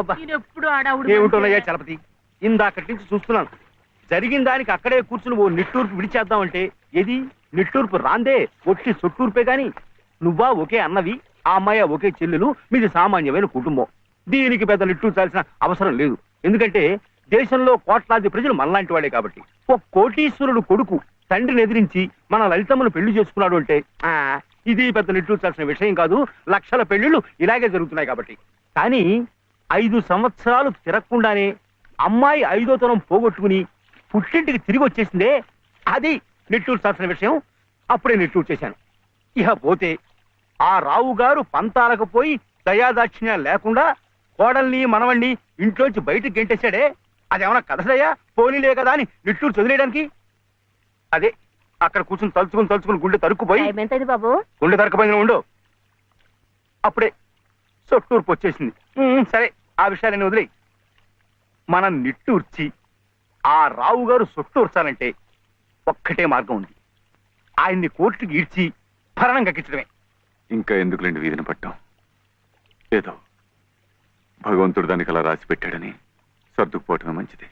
ఏమిటోనయ్యా చలపతి, ఇందాకటి నుంచి చూస్తున్నాను. జరిగిన దానికి అక్కడే కూర్చుని ఓ నిట్టూర్పు విడిచేద్దామంటే ఏది నిట్టూర్పు రాందే, ఒట్టి సొట్టూర్పే గాని. నువ్వా ఒకే అన్నవి, ఆ అమ్మాయి ఒకే చెల్లెలు, మీది సామాన్యమైన కుటుంబం. దీనికి పెద్ద నిట్టూర్చాల్సిన అవసరం లేదు. ఎందుకంటే దేశంలో కోట్లాది ప్రజలు మనలాంటి వాడే కాబట్టి. ఒక కోటీశ్వరుడు కొడుకు తండ్రిని ఎదిరించి మన లలితమ్మను పెళ్లి చేసుకున్నాడు అంటే ఇది పెద్ద నిట్టూర్చాల్సిన విషయం కాదు. లక్షల పెళ్లిళ్ళు ఇలాగే జరుగుతున్నాయి కాబట్టి. కానీ 5 సంవత్సరాలు తిరగకుండానే అమ్మాయి 5వ తరం పోగొట్టుకుని పుట్టింటికి తిరిగి వచ్చేసిందే, అది నిట్టూర్చాల్సిన విషయం. అప్పుడే నిట్టూరు చేశాను. ఇక పోతే ఆ రావు గారు పంతాలకు పోయి దయాదాక్షిణ్యాలు లేకుండా కోడల్ని మనవణ్ణి ఇంట్లోంచి బయటకు గెంటేశాడే, అదేమన్నా కథదయ్యా, పోనీలే కదా అని నిట్టూరు చదిలేయడానికి. అదే అక్కడ కూర్చుని తలుచుకుని గుండె తరుక్కుపోయి, బాబు గుండె తరుక్కుపోయిన ఉండు, అప్పుడే సొట్టూర్పు వచ్చేసింది. సరే, ఆ విషయాన్ని వదిలేయి. మనం నిట్టూర్చి ఆ రావు గారు సొట్టూర్చాలంటే ఒక్కటే మార్గం ఉంది. ఆయన్ని కోర్టుకి ఈడ్చి భరణం కక్కించడమే. ఇంకా ఎందుకులేండి వీధిని పట్టాం. ఏదో భగవంతుడు దానికి అలా రాసి పెట్టాడని సర్దుకుపోవటమే మంచిది.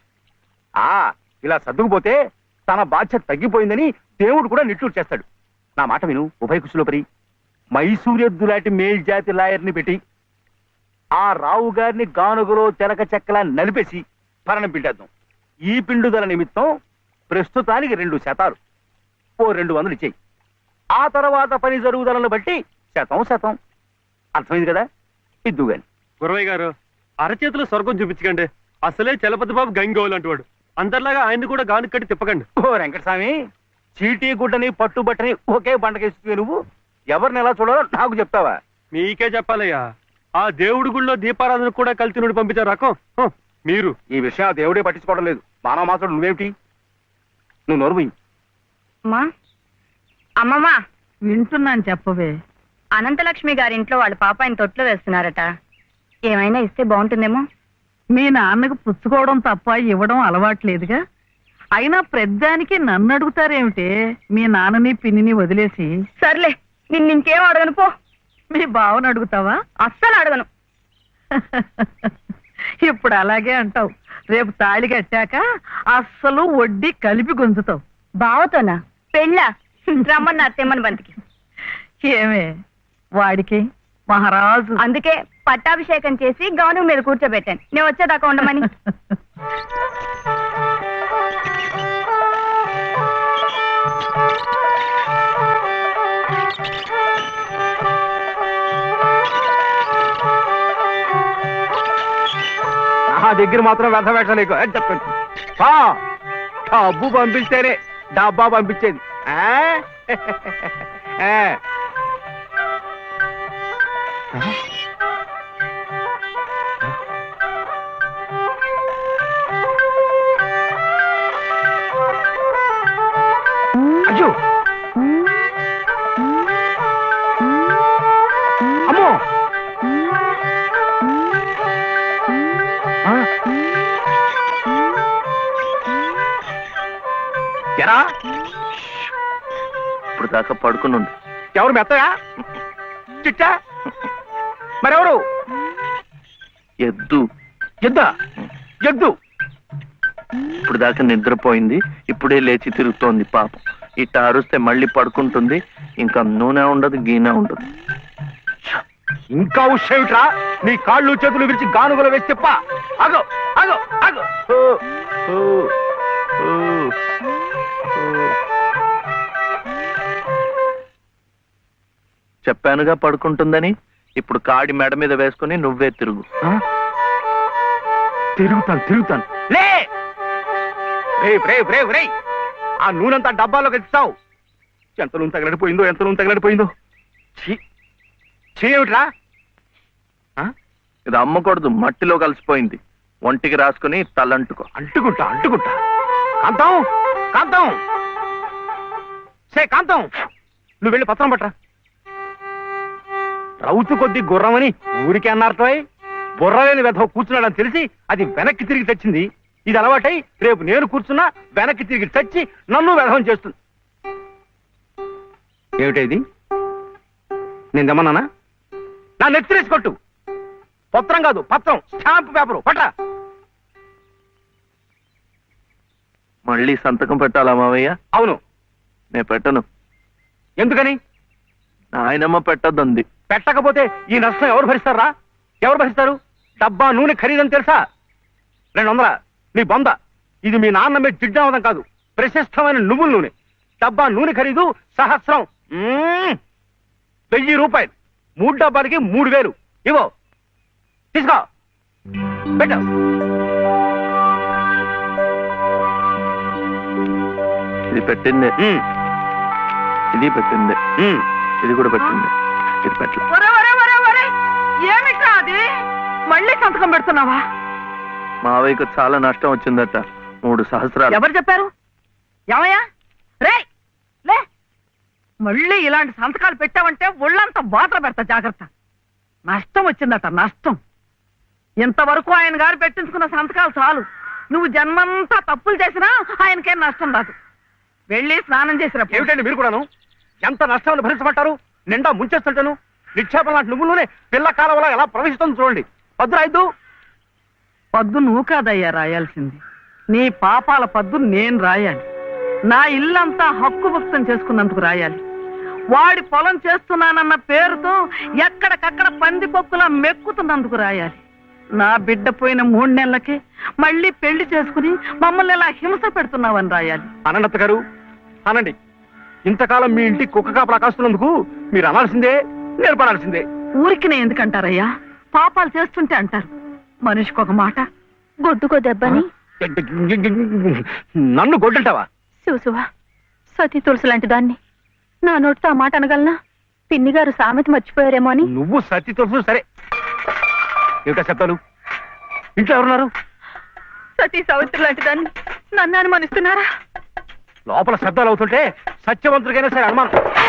ఇలా సర్దుకుపోతే తన బాధ్యత తగ్గిపోయిందని దేవుడు కూడా నిట్టూరు చేస్తాడు. నా మాట విను ఉభయ కుశలోపరి. మైసూరెద్దు లాంటి మేల్జాతి లాయర్ని పెట్టి ఆ రావు గారిని గానుగలో తెరక చెక్కలా నలిపేసి భరణం పిండేద్దాం. ఈ పిండుదల నిమిత్తం ప్రస్తుతానికి 2 శాతాలు, ఓ 200 ఇచ్చేయి. ఆ తర్వాత పని జరుగుదలను బట్టి శాతం. అర్థమైంది కదా? ఇద్దు గాని. గురవయ్య గారు, అరచేతులు స్వర్గం చూపించకండి. అసలే చలపతి బాబు గంగోలు అంటువాడు. అందరిలాగా ఆయన్ని కూడా గాను కట్టి తిప్పకండి. ఓ వెంకటస్వామి, చీటీ గుడ్డని పట్టుబట్టని ఒకే పంటకేస్తుంది. నువ్వు ఎవరిని ఎలా చూడాలో నాకు చెప్తావా? మీకే చెప్పాలయ్యా. ఆ దేవుడి గుళ్ళో దీపారాధన కూడా కలిసి పంపించారు రకం మీరు. ఈ విషయం ఆ దేవుడే పట్టించుకోవడం లేదు. మానవ మాత్రం నువ్వేమిటి? నువ్వు నోరుమోయి. అమ్మమ్మా, వింటున్నాను, చెప్పవే. అనంతలక్ష్మి గారింట్లో వాళ్ళ పాప ఆయన తొట్లో వేస్తున్నారట. ఏమైనా ఇస్తే బాగుంటుందేమో. మీ నాన్నకు పుచ్చుకోవడం తప్ప ఇవ్వడం అలవాట్లేదుగా. అయినా ప్రద్దానికి నన్ను అడుగుతారేమిటే? మీ నాన్నని పిన్నిని వదిలేసి. సర్లే, నిన్నింకేం అడగను పో. మీ బావను అడుగుతావా? అస్సలు అడగను. ఇప్పుడు అలాగే అంటావు. రేపు తాళి కట్టాక అస్సలు వడ్డీ కలిపి గుంజుతావు. బావతోనా? పెళ్ళా? రమ్మని అత్తేమని బంతికి. ఏమే వాడికి మహారాజు. అందుకే పట్టాభిషేకం చేసి గౌను మీద కూర్చోబెట్టాను. నేను వచ్చేదాకా ఉండమని. నా దగ్గర మాత్రం వ్యర్థ వేషాలు చెప్పండి. డబ్బు పంపిస్తేనే డబ్బా పంపించేది. అయ్యో, అమ్మో, ఎరా ఇప్పుడు దాకా పడుకుని ఉంది. ఎవరు మెత్తగా చిట్టా? మరెవరు? ఎద్దు. ఎద్దా? ఎద్దు ఇప్పుడు దాకా నిద్రపోయింది, ఇప్పుడే లేచి తిరుగుతోంది పాపం. ఇట్ట అరుస్తే మళ్ళీ పడుకుంటుంది. ఇంకా నూనె ఉండదు, గీనె ఉండదు. ఇంకా ఉషేమిట్రా? నీ కాళ్ళు చేతులు విరిచి గానుగలు వేసి చెప్ప. అగో అగో అగో. చెప్పానుగా పడుకుంటుందని. ఇప్పుడు కాడి మెడ మీద వేసుకుని నువ్వే తిరుగు. తిరుగుతాను. లే రే, ఆ నూనెంతా డబ్బాలో కలిస్తావు. ఎంత నూనె తగలడిపోయిందో. ఏమిట్రా? ఇది అమ్మకూడదు, మట్టిలో కలిసిపోయింది. ఒంటికి రాసుకుని తలంటుకో. అంటుకుంటా. కాంతం, నువ్వు వెళ్ళి పత్రం పట్టరా. రౌతు కొద్ది గుర్రమని ఊరికే అన్నారటో. బుర్రలేని వెధవ కూర్చున్నాడని తెలిసి అది వెనక్కి తిరిగి తెచ్చింది. ఇది అలవాటై రేపు నేను కూర్చున్నా వెనక్కి తిరిగి తెచ్చి నన్ను వెధవం చేస్తుంది. ఏమిటైది? నేను దమ్మన్నానా? నా నెత్తిరేసి కొట్టు. పత్రం కాదు పత్రం, స్టాంప్ పేపరు పట్ట. మళ్ళీ సంతకం పెట్టాలా మావయ్య? అవును. నేను పెట్టను. ఎందుకని? నాయనమ్మ పెట్టద్దంది. పెట్టకపోతే ఈ నష్టం ఎవరు భరిస్తారా? ఎవరు భరిస్తారు? డబ్బా నూనె ఖరీదని తెలుసా? 200. నీ బొంద. ఇది మీ నాన్న మీద జిడ్డావదం కాదు, ప్రశస్తమైన నువ్వుల నూనె. డబ్బా నూనె ఖరీదు సహస్రం. 1000 రూపాయలు. 3 డబ్బాలకి 3000. ఇవో తీసుకో, పెట్టు. ఇది పెట్టిందే, ఇది పెట్టిందే, ఇది కూడా పెట్టింది, ఇది పెట్టలే. ఒరే ఒరే ఒరే ఒరే, ఏమిట్రా అది? మళ్ళీ సంతకం పెడుతున్నావా? మావయ్యకు చాలా నష్టం వచ్చిందట, 3 సహస్రాలు. ఎవరు చెప్పారు? ఏమయ్యా రే లే, మళ్ళీ ఇలాంటి సంతకాలు పెట్టావంటే ఒళ్ళంతా వాతలు పెడతా, జాగ్రత్త. నష్టం వచ్చిందట, నష్టం. ఇంతవరకు ఆయన గారు పెట్టించుకున్న సంతకాలు చాలు. నువ్వు జన్మంతా తప్పులు చేసినా ఆయనకేం నష్టం రాదు. వెళ్ళి స్నానం చేసినప్పుడు. ఏమిటండి మీరు కూడాను? ఎంత నష్టాన్ని భరించమంటారు? నిండా ముంచేస్తుంటాను. నిక్షేపం లాంటి నువ్వులోనే పిల్ల కాలవలా ఎలా ప్రవేశిస్తుంది చూడండి. పద్దు రాయద్దు. పద్దు నువ్వు కాదయ్యా రాయాల్సింది, నీ పాపాల పద్దు నేను రాయాలి. నా ఇల్లంతా హక్కు భక్తం చేసుకున్నందుకు రాయాలి. వాడి పొలం చేస్తున్నానన్న పేరుతో ఎక్కడికక్కడ పందికొక్కులా మెక్కుతున్నందుకు రాయాలి. నా బిడ్డ పోయిన 3 నెలలకే మళ్ళీ పెళ్లి చేసుకుని మమ్మల్ని ఎలా హింస పెడుతున్నావని రాయాలి. అనంత గారు అనండి. ఇంతకాలం మీ ఇంటి కుక్క కాపలా కాస్తున్నందుకు మీరు అనాల్సిందే, నేర్పనాల్సిందే. ఊరికి ఎందుకంటారయ్యా? పాపాలు చేస్తుంటే అంటారు. మనిషికి ఒక మాట. గొడ్డుకో దెబ్బని నన్ను గొడ్డంటావా? చూసువా, సతీ తులసి లాంటి దాన్ని నా నోటితో ఆ మాట అనగలనా? పిన్ని గారు సామెత మర్చిపోయారేమో అని. నువ్వు సత్తి తెలుసు సరే. ఏమిటా శబ్దాలు? ఇంట్లో ఎవరున్నారు? సతీ సావిత్రి లాంటి దాన్ని నన్ను అనుమానిస్తున్నారా? లోపల శబ్దాలు అవుతుంటే సత్యవంతుడికైనా సరే అనుమానం.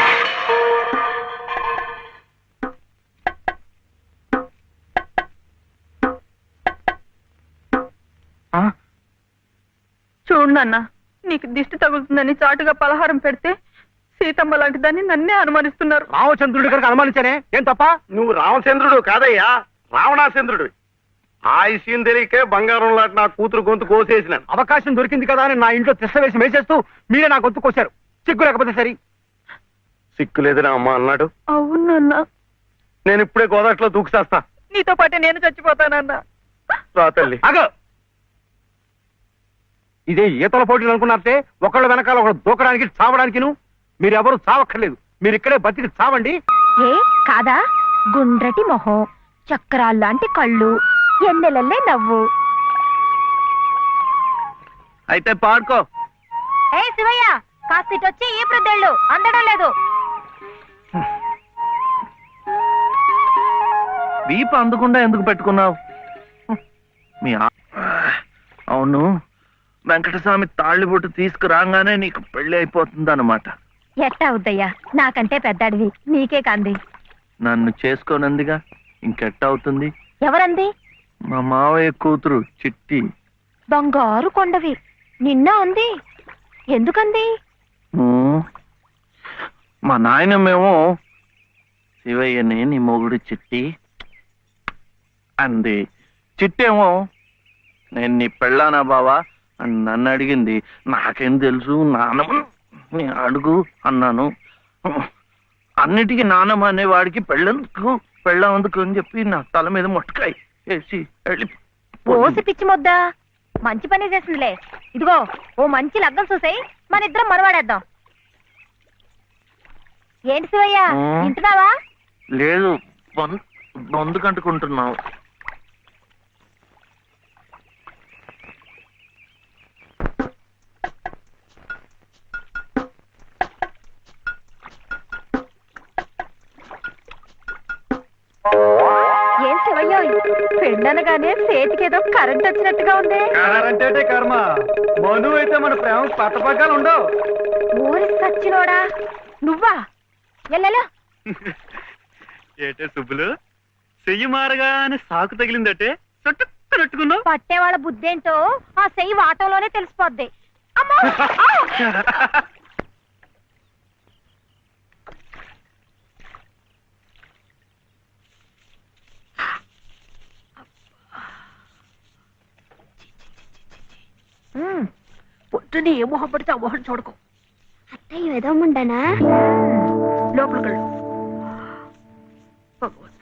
చూడు నాన్న, నీకు దిష్టి తగులుతుందని చాటుగా పలహారం పెడితే సీతమ్మ లాంటి దాన్ని నన్నే అనుమానిస్తున్నారు. రామచంద్రుడి కనుక అనుమానించానే, ఏం తప్ప? నువ్వు రామచంద్రుడు కాదయ్యా, రావణాచంద్రుడు. ఆ విషయం తెలియకే బంగారం లాంటి నా కూతురు గొంతు కోసేసినాను. అవకాశం దొరికింది కదా అని నా ఇంట్లో తిష్ట వేసి మేసేస్తూ మీరే నా గొంతు కోశారు. సిగ్గు లేకపోతే సరి. సిక్కులేదని అమ్మ అన్నాడు. అవునన్నా, నేను ఇప్పుడే గోదాట్లో దూకుసేస్తా. నీతో పాటే నేను చచ్చిపోతానన్నా. రా తల్లి. అగో, ఇదే ఈతల పోటీలు అనుకున్నారంటే ఒకళ్ళ వెనకాల ఒకళ్ళు దూకడానికి చావడానికిను. మీరెవరు చావక్కర్లేదు, మీరు ఇక్కడే బతికి చావండి. ఏ కాదా? గుండ్రటి మొహం, చక్రాల్లాంటి కళ్ళు, ఎన్నెలల్లే నవ్వు. అయితే పాడుకో. ఏ శివయ్య, కాస్తిటొచ్చి ఈ ప్రద్దెళ్ళు అందడం లేదు. వీపు అందకుండా ఎందుకు పెట్టుకున్నావు? అవును, వెంకటస్వామి తాళ్ళిబొట్టు తీసుకురాగానే నీకు పెళ్లి అయిపోతుంది అన్నమాట. ఎట్టా అవుద్దయ్యా, నాకంటే పెద్దాడివి, నీకే కాంది. నన్ను చేసుకోనందిగా, ఇంకెట్ట అవుతుంది? ఎవరంది? మా మావయ్య కూతురు చిట్టి. బంగారు కొండవి, నిన్న ఉంది. ఎందుకంది? మా నాయనమేమో శివయ్యని నీ మొగుడు చిట్టి అంది. చిట్టేమో నేను నీ పెళ్ళానా బావా అని నన్ను అడిగింది. నాకేం తెలుసు, నానమ్మ నీ అడుగు అన్నాను. అన్నిటికీ నానమ్మ అనేవాడికి పెళ్ళందుకు అని చెప్పి నా తల మీద మొట్టకాయ వేసి వెళ్ళి ఓసి పిచ్చి మొద్దా, మంచి పని చేసిందిలే. ఇదిగో ఓ మంచి లగ్గం చూసాయి, మన ఇద్దరం మనవాడేద్దాం. ఏంటి శివయ్య, వింటున్నావా? లేదు, బొందు కంటుకుంటున్నావు. ఏం శివయ్య, పెళ్ళనగానే చేతికేదో కరెంట్ వచ్చినట్టుగా ఉంది. అంటే కర్మ, మను అయితే మన ప్రేమ పట్టపగ్గాలు ఉండవు. ఊరి సచ్చినోడా నువ్వా? ఎల్లెలో ఏటే సుబ్బులు, చెయ్యి మారగానే సాకు తగిలిందటే చుట్టుకున్నట్టుకున్నావు. పట్టేవాళ్ళ బుద్ధేంటో ఆ చెయ్యి వాటంలోనే తెలిసిపోద్ది. అమ్మో! ఉత్తని ఏ మొహం పడితే ఆ మొహం చూడకు. అత్తయ్య ఏదో ఉండనా లోపలికి వెళ్ళు. భగవంతుడా.